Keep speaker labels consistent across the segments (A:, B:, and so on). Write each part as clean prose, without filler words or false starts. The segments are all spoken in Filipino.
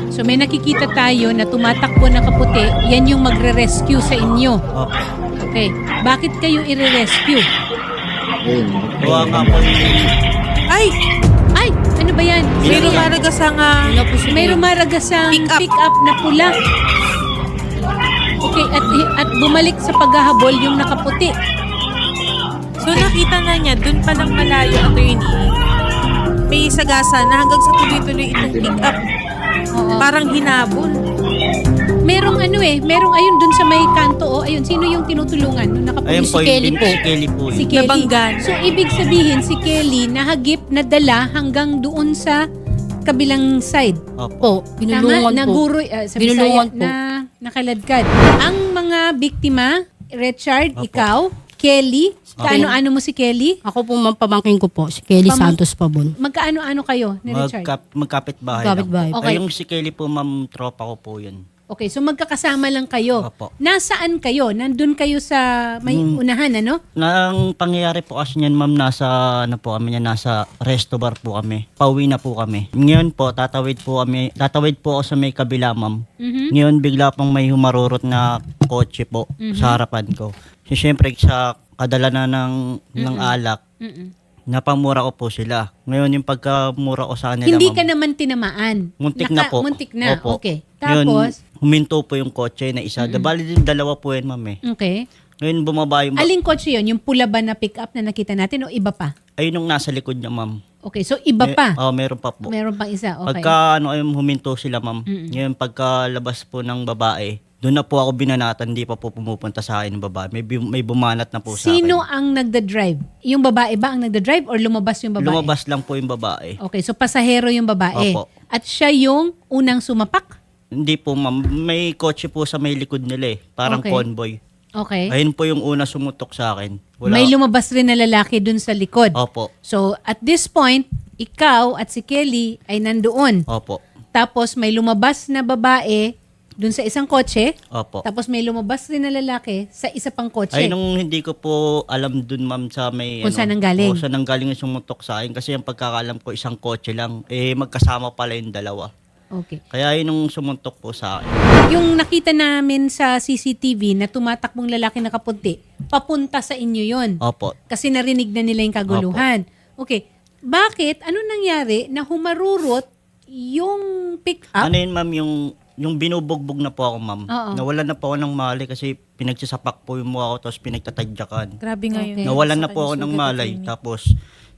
A: So may nakikita tayo na tumatakbo na kaputi, yan yung magre-rescue sa inyo.
B: Opo.
A: Okay. Bakit kayo i-rescue?
B: Gawa nga po
C: Ay!
A: Ay, ano ba yan?
C: May rumaragasang
A: May rumaragasang pick up na pula. Okay, at bumalik sa paghahabol yung nakaputi.
C: So nakita na niya, dun pa lang malayo, attorney, may sagasa na hanggang sa tuloy-tuloy itong pick up.
A: Oo.
C: Parang hinabol.
A: Merong merong ayun dun sa may kanto. Ayun, sino yung tinutulungan? Nung nakaputi
B: ayun
A: si
B: po,
A: Kelly po.
B: si Kelly po.
A: Si
B: yun.
A: Kelly.
C: Nabanggan.
A: So, ibig sabihin, si Kelly nahagip, nadala hanggang doon sa kabilang side.
B: Opo.
D: Binulungan po.
A: Naguroy, sa
D: Binulungan
A: Bisaya, na nakaladkad. Ang mga biktima, Richard,
B: Opo.
A: ikaw, Kelly, kaano-ano mo si Kelly?
D: Ako po, ma'am, pamangkin ko po, si Kelly Santos Pabon.
A: Magkaano-ano kayo ni Richard?
B: Magkapit-bahay lang.
D: Kapit-bahay.
A: Okay.
B: Ay, yung si Kelly po, ma'am, tropa ko po yun.
A: Okay, so magkakasama lang kayo.
B: Opo.
A: Nasaan kayo? Nandun kayo sa may unahan, ano?
B: Ang pangyayari po kasi niyan, ma'am, nasa resto bar po kami. Pauwi na po kami. Ngayon po, tatawid po ako sa may kabila, ma'am.
A: Mhm.
B: Ngayon, bigla pong may humarurot na kotse po sa harapan ko. So, syempre, sa kadala na ng alak,
A: Mm-mm.
B: napamura ko po sila. Ngayon, yung pagkamura ko sa kanila,
A: Hindi
B: ma'am,
A: ka naman tinamaan.
B: muntik na po.
A: Muntik na,
B: Opo.
A: okay.
B: Ngayon,
A: Tapos,
B: huminto po yung kotse na isa. Bali din dalawa po yan, ma'am eh.
A: okay.
B: Ngayon, bumaba yung...
A: Aling kotse yun? Yung pula ba na pick up na nakita natin o iba pa?
B: Ayun yung nasa likod niya, ma'am.
A: Okay, so iba pa.
B: Meron pa po.
A: Meron pang isa, okay.
B: Pagka huminto sila, ma'am. Ngayon, pagkalabas po ng babae, doon na po ako binanatan, hindi pa po pumupunta sa akin ng babae. May bumanat na po sa akin.
A: Sino ang nagda-drive? Yung babae ba ang nagda-drive or lumabas yung babae?
B: Lumabas lang po yung babae.
A: Okay, so pasahero yung babae.
B: Opo.
A: At siya yung unang sumapak?
B: Hindi po, ma'am. May kotse po sa may likod nila eh. Parang
A: Okay.
B: convoy.
A: Okay.
B: Ayun po yung una sumutok sa akin.
A: May lumabas rin na lalaki dun sa likod.
B: Opo.
A: So, at this point, ikaw at si Kelly ay nandoon.
B: Opo.
A: Tapos may lumabas na babae dun sa isang kotse.
B: Opo.
A: Tapos may lumabas rin na lalaki sa isa pang kotse.
B: Ay, nung hindi ko po alam dun, ma'am, sa may...
A: Kung saan nanggaling.
B: Saan nanggaling yung sumutok sa akin. Kasi yung pagkakalam ko, isang kotse lang. Magkasama pala yung dalawa.
A: Okay.
B: Kaya yun yung sumuntok po sa akin.
A: Yung nakita namin sa CCTV na tumatakbong lalaki na kapunti, papunta sa inyo yon.
B: Opo.
A: Kasi narinig na nila yung kaguluhan. Okay. Bakit? Ano nangyari na humarurot yung pick-up?
B: Ano yun, ma'am, yung binubugbog na po ako, ma'am.
A: Oo.
B: Nawalan na po ako ng malay kasi pinagsasapak po yung mukha ko tapos pinagtatadyakan.
C: Grabe nga yun.
A: Okay.
B: Nawalan na po ako ng malay. Tapos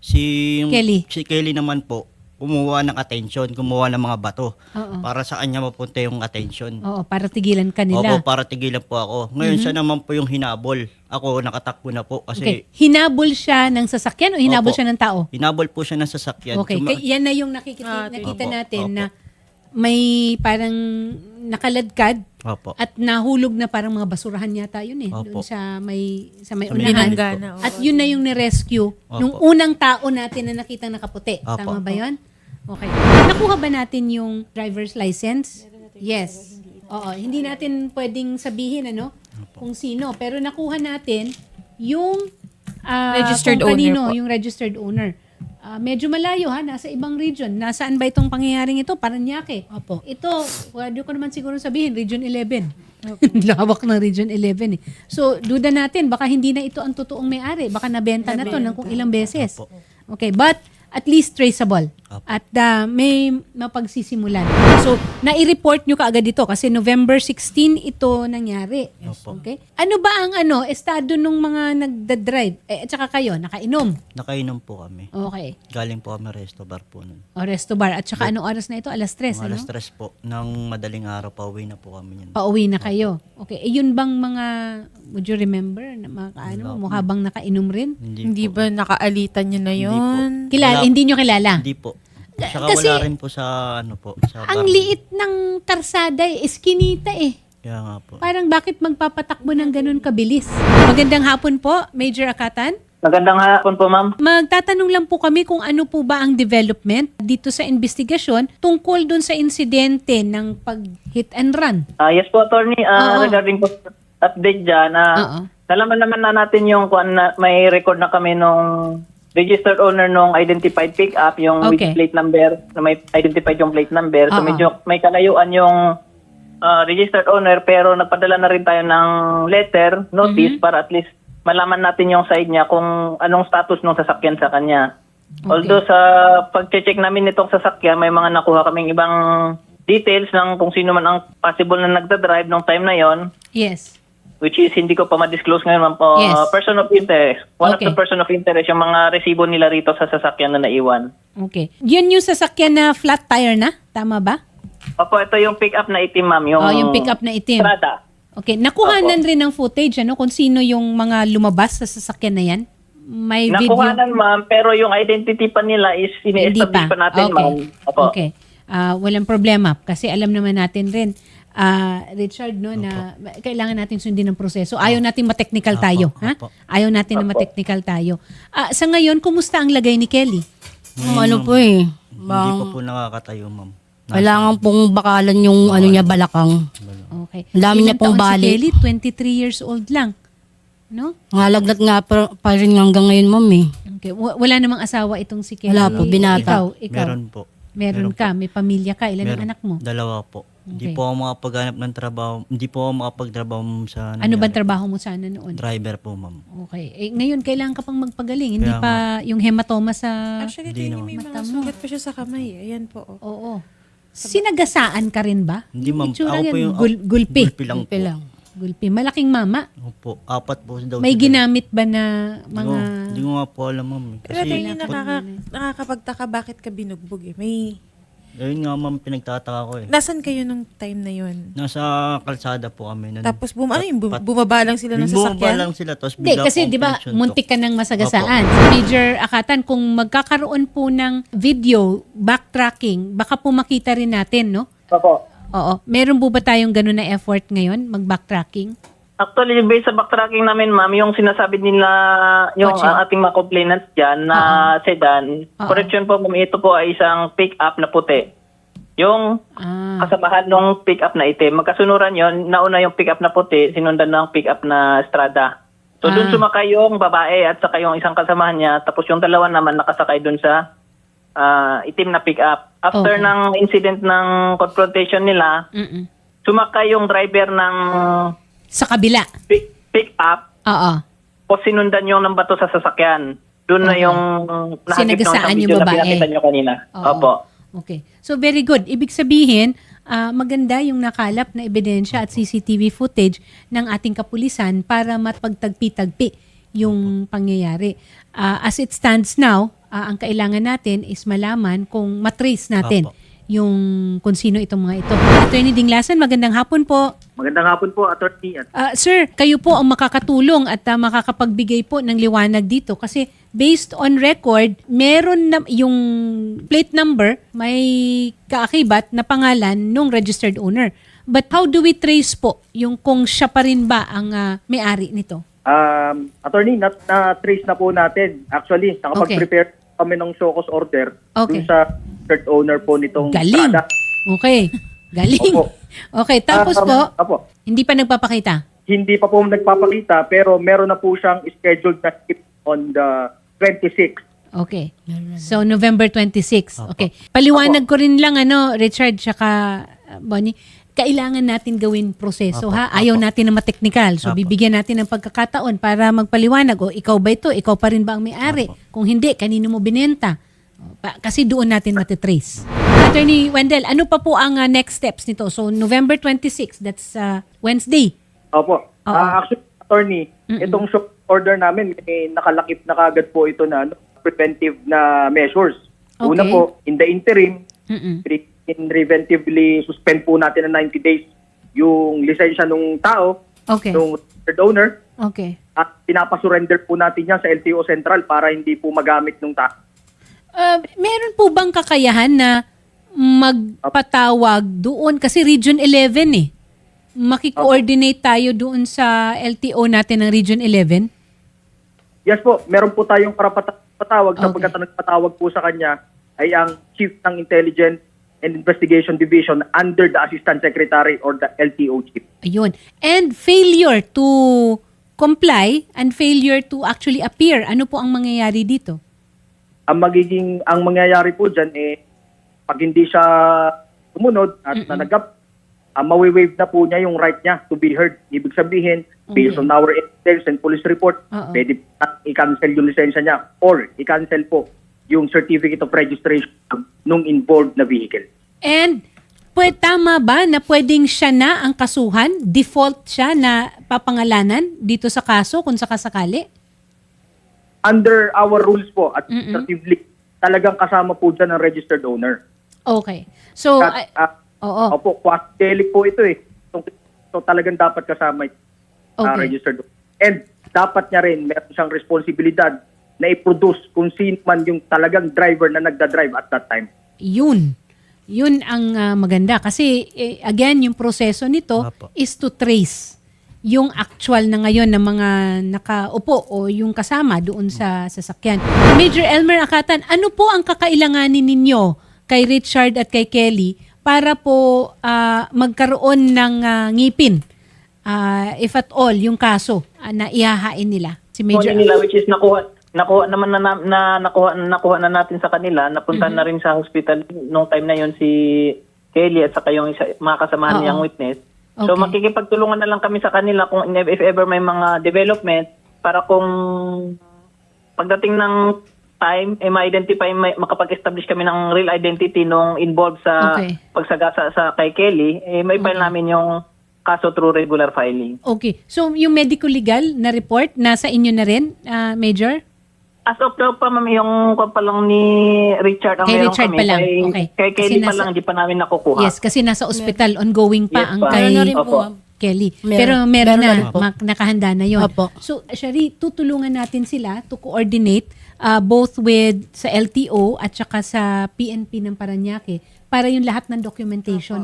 B: si Kelly naman po, kumuha ng attention, kumuha ng mga bato.
A: Oo.
B: Para sa kanya mapunta yung attention.
A: Oo, para tigilan ka nila.
B: Opo, para tigilan po ako. Ngayon siya naman po yung hinabol. Ako nakatakbo na po kasi
A: Okay. Hinabol siya ng sasakyan o hinabol
B: Opo.
A: siya ng tao?
B: hinabol po siya ng sasakyan.
A: Okay. Yan na yung nakita
B: Opo,
A: natin
B: opo.
A: na may parang nakaladkad
B: Opo.
A: at nahulog na parang mga basurahan yata yun eh.
B: Opo.
A: Doon sa may
B: Sa may
A: unahan.
B: binangga
C: na, oo.
A: At yun na yung ni-rescue
B: Opo.
A: nung unang tao natin na nakitang nakaputi.
B: Opo.
A: Tama ba yun? Okay. Nakuha ba natin yung driver's license? Yes. Oo. Hindi natin pwedeng sabihin kung sino. Pero nakuha natin yung
C: Registered
A: kung
C: owner
A: kanino,
C: po.
A: yung registered owner. Medyo malayo nasa ibang region. Nasaan ba itong pangyayaring ito? Paranaque.
D: Opo.
A: Ito, pwede ko naman siguro sabihin, Region 11. Lawak ng Region 11 eh. So, duda natin, baka hindi na ito ang totoong may-ari. Baka nabenta na to ng kung ilang beses.
B: Opo.
A: Okay, but at least traceable.
B: Opo.
A: At may mapagsisimulan. So, nai-report nyo kaagad ito kasi November 16 ito nangyari.
B: Opo.
A: Okay? Ano ba ang estado nung mga nagda-drive? At saka kayo, nakainom?
B: Nakainom po kami.
A: Okay.
B: Galing po kami resto bar po nun.
A: O resto bar. At saka anong oras na ito? Alas 3,
B: Mga
A: ano?
B: alas 3 po. Ng madaling araw, pauwi na po kami yun.
A: Pauwi na kayo. Okay. Yun bang mga, would you remember, na mga mukha bang nakainom rin?
C: Hindi ba nakaalitan nyo na yun?
A: Kilala,
B: Wala.
A: hindi nyo kilala?
B: Hindi po. Saka
A: Kasi-
B: wala rin po sa sa
A: Ang
B: bar.
A: liit ng karsada eskinita eh.
B: Kaya nga po.
A: Parang bakit magpapatakbo ng ganun kabilis? Magandang hapon po, Major Akatan.
E: Magandang hapon po, ma'am.
A: Magtatanong lang po kami kung ano po ba ang development dito sa investigasyon tungkol dun sa insidente ng pag-hit and run.
E: Yes po, attorney.
A: Oo.
E: Regarding po update dyan,
A: Oo.
E: nalaman naman na natin yung may record na kami nung registered owner nung identified pickup, yung with
A: Okay.
E: plate number, na may identified yung plate number. So
A: Oo.
E: medyo may kalayuan yung registered owner, pero nagpadala na rin tayo ng letter, notice, para at least malaman natin yung side niya kung anong status ng sasakyan sa kanya.
A: Okay.
E: Although sa pag-check namin nitong sasakyan, may mga nakuha kaming ibang details ng kung sino man ang possible na nagda-drive nung time na yon,
A: Yes.
E: which is hindi ko pa ma-disclose ngayon, ma'am.
A: Yes.
E: Person of interest. One
A: Okay.
E: of the person of interest, yung mga resibo nila rito sa sasakyan na naiwan.
A: Okay. Yun yung sasakyan na flat tire na? Tama ba?
E: Opo, ito yung pick-up na itim, ma'am.
A: Yung pick-up na itim.
E: Strada.
A: Okay. Nakuhanan rin ng footage, ano? Kung sino yung mga lumabas sa sasakyan na yan? May video?
E: Nakuhanan, ma'am, pero yung identity pa nila is
A: Hindi
E: ini-establish pa natin,
A: okay.
E: ma'am. Opo.
A: Okay. Walang problema. Kasi alam naman natin rin, Richard, no, na kailangan natin sundin ng proseso. Ayaw natin ma-technical tayo. Ha?
B: Opo.
A: Ayaw natin na ma-technical tayo. Sa ngayon, kumusta ang lagay ni Kelly?
D: Ano po eh.
B: Hindi pa po nakakatayo, ma'am.
D: Kailangan pong bakalan yung ano niya balakang.
A: Okay.
D: Ang dami niya
A: Ilang
D: pong
A: taon
D: bali.
A: Si Kelly, 23 years old lang. No?
D: Ngalagnat nga pa rin hanggang ngayon, ma'am eh.
A: Okay. Wala namang asawa itong si Kelly.
D: Wala po, binata.
A: Ikaw.
B: Meron po.
A: Meron ka, may pamilya ka. Ilan ang anak mo?
B: Dalawa po. Hindi
A: Okay.
B: po ako makapaghanap ng trabaho. Hindi po ako makapagtrabaho sa
A: Ano ba trabaho mo sana noon?
B: driver po, ma'am.
A: Okay. Ngayon, kailangan ka pang magpagaling. Hindi
B: Kaya
A: pa yung hematoma sa...
C: Actually,
B: Hindi
C: tingin may
A: naman.
C: mga sugat pa siya sa kamay. Ayan po. Oh.
A: Oo. Sinagasaan ka rin ba?
B: Hindi, ma'am.
A: Itsura
B: Ako
A: yan,
B: po yung
A: gulpi.
B: gulpi lang po.
D: Gulpi lang.
A: Gulpi. Malaking mama.
B: Opo. 4 po daw.
A: May
B: sila.
A: ginamit ba na mga...
B: Hindi ko nga po alam, ma'am.
C: Pero
B: Kasi,
C: tingin nakakapagtaka bakit ka binugbog eh.
B: ayun nga, ma'am, pinagtataka ko eh.
C: Nasaan kayo nung time na yun?
B: Nasa kalsada po kami.
C: Tapos bumaba lang sila ng
B: Bumaba
C: sasakyan?
B: lang sila, tapos
A: Hindi,
B: bigla
A: kasi
B: akong
A: di ba
B: pinagsuntok.
A: muntik ka ng masagasaan. Major Akatan, kung magkakaroon po ng video, backtracking, baka po makita rin natin, no?
E: Opo.
A: Oo. Meron po ba tayong ganun na effort ngayon, mag-backtracking?
E: Actually, based sa backtracking namin, ma'am, yung sinasabi nila, yung
A: Kotse.
E: ating mga complainants dyan na sedan, correction po, ma'am, ito po ay isang pick-up na puti. Yung kasamahan ng pick-up na itim, magkasunuran yon, nauna yung pick-up na puti, sinundan ng pick-up na Strada. So doon sumakay yung babae at saka yung isang kasamahan niya, tapos yung dalawa naman nakasakay doon sa itim na pick-up. After
A: Okay.
E: ng incident ng confrontation nila,
A: Mm-mm.
E: sumakay yung driver ng
A: Sa kabila.
E: pick-up,
A: Oo.
E: o sinundan yung ng bato sa sasakyan. Doon na yung nahagip ng
A: Sinagasaan
E: isang
A: yung
E: video na
A: babae.
E: pinakita nyo kanina.
A: Oo.
E: Opo.
A: Okay. So very good. Ibig sabihin, maganda yung nakalap na ebidensya at CCTV footage ng ating kapulisan para mapagtagpi-tagpi yung pangyayari. As it stands now, ang kailangan natin is malaman kung matrace natin
B: Apo.
A: yung kung sino itong mga ito. Attorney Dinglasan, magandang hapon po.
E: Magandang hapon po, Atty.
A: Sir, kayo po ang makakatulong at makakapagbigay po ng liwanag dito kasi based on record, meron na yung plate number, may kaakibat na pangalan nung registered owner. But how do we trace po yung kung siya pa rin ba ang may-ari nito?
F: Attorney, na-trace na po natin. Actually, nakapag-prepare kami ng show cause order
A: Okay.
F: dun sa third owner po nitong
A: Galing.
F: Strada.
A: Okay. Galing.
F: Opo.
A: Okay, tapos po,
F: Opo.
A: hindi pa nagpapakita.
F: Hindi pa po nagpapakita pero meron na po siyang scheduled na trip on the 26th.
A: Okay. So, November 26. Okay. Paliwanag ko rin lang, Richard, tsaka Bonnie, kailangan natin gawin proseso, ha? Ayaw natin na mateknikal. So, bibigyan natin ng pagkakataon para magpaliwanag. O, ikaw ba ito? Ikaw pa rin ba ang may-ari? Kung hindi, kanino mo binenta? Kasi doon natin matitrace. Attorney Wendell, ano pa po ang next steps nito? So, November 26, that's Wednesday.
F: Opo.
A: Oo.
F: Actually, attorney, itong show order namin, may nakalakip na kagad po ito na preventive na measures. Una
A: Okay.
F: po, in the interim,
A: Mm-mm.
F: preventively suspend po natin na 90 days yung lisensya ng tao,
A: Okay.
F: ng third owner,
A: Okay.
F: at pinapasurrender po natin yan sa LTO Central para hindi po magamit ng tao.
A: Meron po bang kakayahan na magpatawag doon? Kasi Region 11 eh. Maki-coordinate tayo doon sa LTO natin ng Region 11?
F: Yes po, meron po tayong patawag
A: Okay.
F: sapagkat ang nagpatawag po sa kanya ay ang Chief ng Intelligence and Investigation Division under the Assistant Secretary or the LTO Chief.
A: Ayun. And failure to comply and failure to actually appear. Ano po ang mangyayari dito?
F: ang mangyayari po dyan, pag hindi siya sumunod at nanagap, mawi-waive na po niya yung right niya to be heard. Ibig sabihin, based on our evidence and police report, pwede i-cancel yung lisensya niya or i-cancel po yung certificate of registration nung involved na vehicle.
A: And tama ba na pwedeng siya na ang kasuhan? Default siya na papangalanan dito sa kaso kung sakasakali?
F: Under our rules po, administratively, talagang kasama po dyan ang registered owner.
A: Okay. So, oo.
F: Opo, quasi-delict po ito eh. So talagang dapat kasama ito, registered owner. And dapat niya rin, meron siyang responsibilidad na i-produce kung sino man yung talagang driver na nagda-drive at that time.
A: Yun ang maganda. Kasi, again, yung proseso nito is to trace yung actual na ngayon ng mga nakaupo o yung kasama doon sa sasakyan. Major Elmer Akatan, ano po ang kakailanganin ninyo kay Richard at kay Kelly para po magkaroon ng ngipin, if at all, yung kaso na ihahain nila? Si Major
E: nila, which is nakuha naman nakuha na natin sa kanila, napunta na rin sa hospital nung time na yon si Kelly at saka yung mga kasamahan niyang witness. So makikipagtulungan na lang kami sa kanila kung if ever may mga development para kung pagdating ng time ma-identify, makapag-establish kami ng real identity nung involved sa pagsagasa sa kay Kelly, may file namin yung kaso through regular filing.
A: Okay. So yung medical legal na report nasa inyo na rin, Major?
E: As of now pa, ma'am, yung pa lang ni Richard ang
A: Kay
E: meron
A: Richard
E: kami.
A: pa lang.
E: Kay Kelly pa lang, hindi pa namin nakukuha.
A: Yes, kasi nasa ospital, ongoing pa
E: Yes,
A: ang
E: pa.
A: kay
D: Meron na rin po, ma'am.
A: Kelly.
D: Meron.
A: Pero meron na,
D: rin po.
A: nakahanda na yon.
D: Opo.
A: So, Shari, tutulungan natin sila to coordinate both with sa LTO at saka sa PNP ng Parañaque para yung lahat ng documentation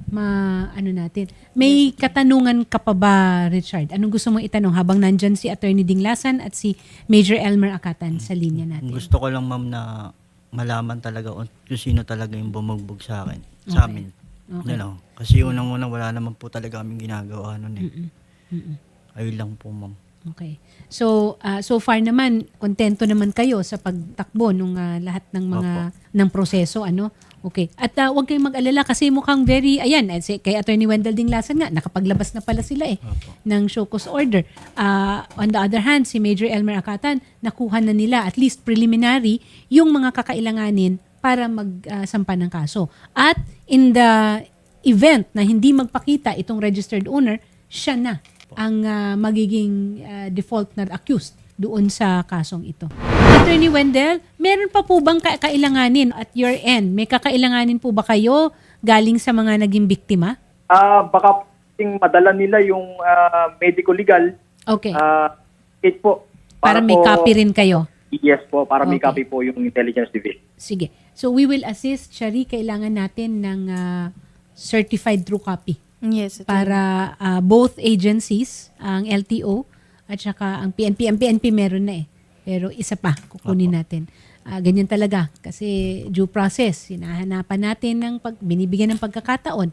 A: natin. May katanungan ka pa ba, Richard? Anong gusto mong itanong habang nandyan si Attorney Dinglasan at si Major Elmer Akatan sa linya natin?
B: Gusto ko lang, ma'am, na malaman talaga kung sino talaga yung bumugbog sa akin, sa amin. You know, kasi unang-unang wala naman po talaga kaming ginagawa nun eh. Ayun lang po, ma'am.
A: Okay. So, so far naman, kontento naman kayo sa pagtakbo ng lahat ng mga ng proseso, ano? Okay. At huwag kayong mag-alala kasi mukhang very, kay Attorney Wendell Dinglasan nga, nakapaglabas na pala sila ng show cause order. On the other hand, si Major Elmer Akatan, nakuha na nila at least preliminary yung mga kakailanganin para magsampa ng kaso. At in the event na hindi magpakita itong registered owner, siya na ang magiging default na accused doon sa kasong ito. Attorney Wendell, meron pa po bang kailanganin at your end? May kakailanganin po ba kayo galing sa mga naging biktima?
F: Baka madala nila yung medical legal.
A: Okay.
F: It po.
A: Para may copy rin kayo?
F: Yes po, para may copy po yung Intelligence Division.
A: Sige. So we will assist, Shari, kailangan natin ng certified true copy.
C: Yes.
A: Para both agencies, ang LTO at saka ang PNP. Ang PNP meron na eh. Pero isa pa, kukunin natin. Ganyan talaga. Kasi due process, hinahanapan natin ng binibigyan ng pagkakataon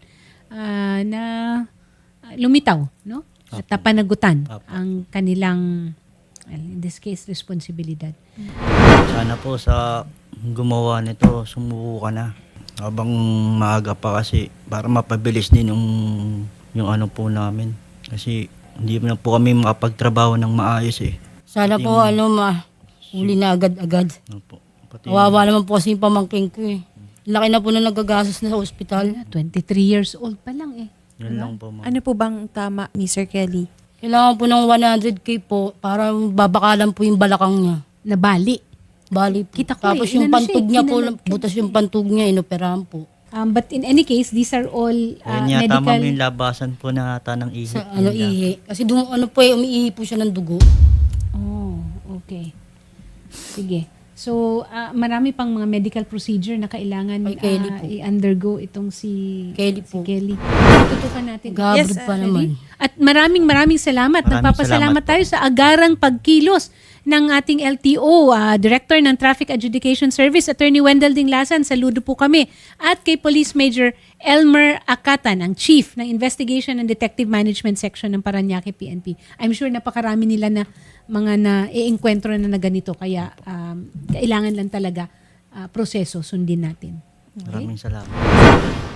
A: na lumitaw, no? At panagutan ang kanilang, in this case, responsibilidad.
B: Sana po sa gumawa nito, sumuko ka na. Habang maaga pa kasi para mapabilis din yung ano po namin. Kasi hindi na po kami makapagtrabaho ng maayos eh.
D: Sana po, huli na agad-agad.
B: Opo.
D: Kawawa naman po kasi yung pamangking ko eh. Laki na po na nagagastos na sa ospital.
A: 23 years old pa lang eh.
B: Yun lang po, ma'am.
C: Ano po bang tama ni Sir Kelly?
D: Kailangan po ng 100K po para babakalan po yung balakang niya.
A: Nabali.
D: Bali po.
A: Kita ko
D: Tapos
A: eh,
D: yung
A: inano
D: pantog
A: siya,
D: niya po,
A: kinalagyan.
D: butas yung pantog niya, inoperahan po.
A: But in any case, these are all
B: Ayun yata,
A: medical...
B: ma'am, yung labasan po na ata ng ihi.
D: Sa ihi. Kasi umiihi po siya ng dugo.
A: Oh, okay. Sige. So, marami pang mga medical procedure na kailangan
D: Kay Kelly po.
A: i-undergo itong si
D: Kelly po.
A: Kelly. Tutukan natin.
D: Gabrod pa naman.
A: At maraming salamat.
B: Maraming
A: Nagpapasalamat
B: salamat po.
A: tayo sa agarang pagkilos ng ating LTO, Director ng Traffic Adjudication Service, Attorney Wendell Dinglasan. Saludo po kami. At kay Police Major Elmer Akatan, ang Chief ng Investigation and Detective Management Section ng Parañaque PNP. I'm sure napakarami nila na mga na-e-enkwentro na ganito. Kaya kailangan lang talaga proseso sundin natin.
B: Maraming salamat.